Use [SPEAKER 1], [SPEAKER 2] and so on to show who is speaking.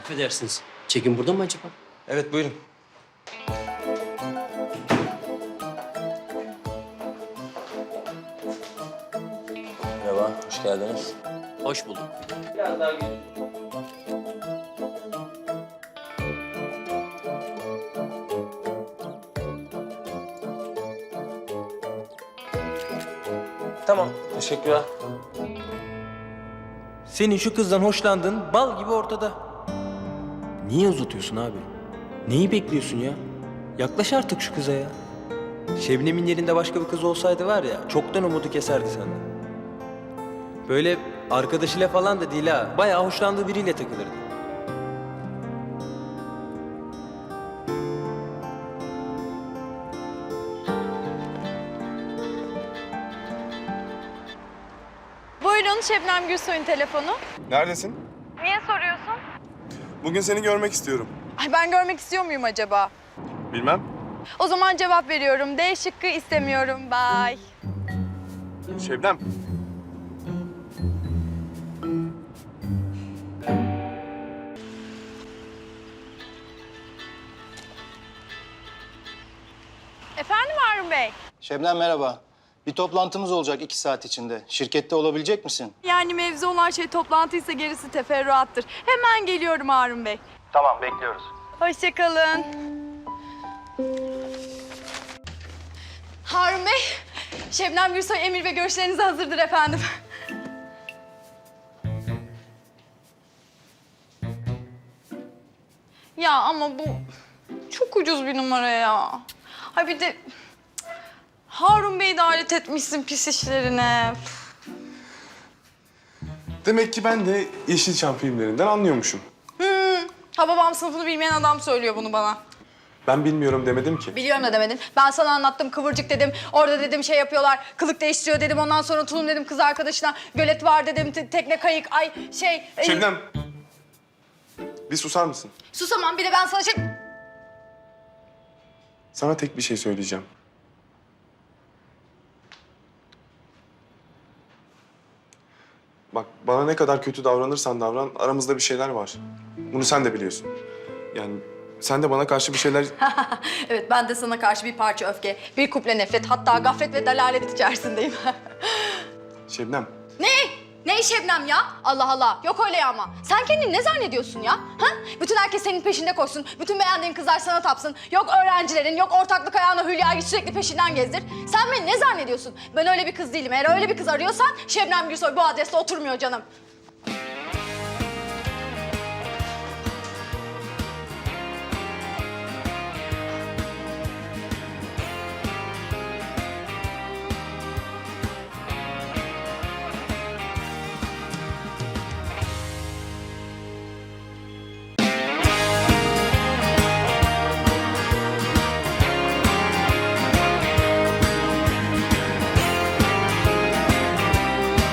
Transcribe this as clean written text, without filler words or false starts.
[SPEAKER 1] Affedersiniz. Çekim burada mı acaba?
[SPEAKER 2] Evet, buyurun. Merhaba, hoş geldiniz.
[SPEAKER 1] Hoş bulduk.
[SPEAKER 2] Tamam, teşekkürler. Senin şu kızdan hoşlandığın bal gibi ortada. Niye uzatıyorsun abi? Neyi bekliyorsun ya? Yaklaş artık şu kıza ya. Şebnem'in yerinde başka bir kız olsaydı var ya, çoktan umudu keserdi senden. Böyle arkadaşıyla falan da değil ha, bayağı hoşlandığı biriyle takılırdı.
[SPEAKER 3] Buyurun Şebnem Gülsoy'un telefonu.
[SPEAKER 4] Neredesin?
[SPEAKER 3] Niye soruyorsun?
[SPEAKER 4] Bugün seni görmek istiyorum.
[SPEAKER 3] Ay ben görmek istiyor muyum acaba?
[SPEAKER 4] Bilmem.
[SPEAKER 3] O zaman cevap veriyorum. D şıkkı istemiyorum. Bye.
[SPEAKER 4] Şebnem.
[SPEAKER 3] Efendim Harun Bey?
[SPEAKER 5] Şebnem merhaba. Bir toplantımız olacak 2 saat içinde. Şirkette olabilecek misin?
[SPEAKER 3] Yani mevzu olan şey toplantıysa gerisi teferruattır. Hemen geliyorum Harun Bey.
[SPEAKER 5] Tamam, bekliyoruz.
[SPEAKER 3] Hoşça kalın. Harun Bey, Şebnem Gülsoy emir ve görüşleriniz hazırdır efendim. Ya ama bu çok ucuz bir numara ya. Ha bir de Harun Bey'i de alet etmişsin pis işlerine.
[SPEAKER 4] Demek ki ben de Yeşilçam filmlerinden anlıyormuşum.
[SPEAKER 3] Ha babam sınıfını bilmeyen adam söylüyor bunu bana.
[SPEAKER 4] Ben bilmiyorum demedim ki.
[SPEAKER 3] Biliyorum da demedin. Ben sana anlattım kıvırcık dedim. Orada dedim şey yapıyorlar. Kılık değiştiriyor dedim. Ondan sonra Tulum dedim kız arkadaşına. Gölet var dedim. Tekne kayık. Ay şey.
[SPEAKER 4] Şebnem. Bir susar mısın?
[SPEAKER 3] Susamam. Bir de ben sana şey...
[SPEAKER 4] Sana tek bir şey söyleyeceğim. Bak bana ne kadar kötü davranırsan davran aramızda bir şeyler var. Bunu sen de biliyorsun. Yani sen de bana karşı bir şeyler...
[SPEAKER 3] Evet ben de sana karşı bir parça öfke, bir kuple nefret, hatta gaflet ve dalalet içerisindeyim.
[SPEAKER 4] Şebnem.
[SPEAKER 3] Ne? Ne Şebnem ya? Allah Allah. Yok öyle ya ama. Sen kendini ne zannediyorsun ya? Ha? Bütün herkes senin peşinde koşsun. Bütün beğendiğin kızlar sana tapsın. Yok öğrencilerin, yok ortaklık ayağına Hülya'yı sürekli peşinden gezdir. Sen beni ne zannediyorsun? Ben öyle bir kız değilim. Eğer öyle bir kız arıyorsan Şebnem Gülsoy bu adreste oturmuyor canım.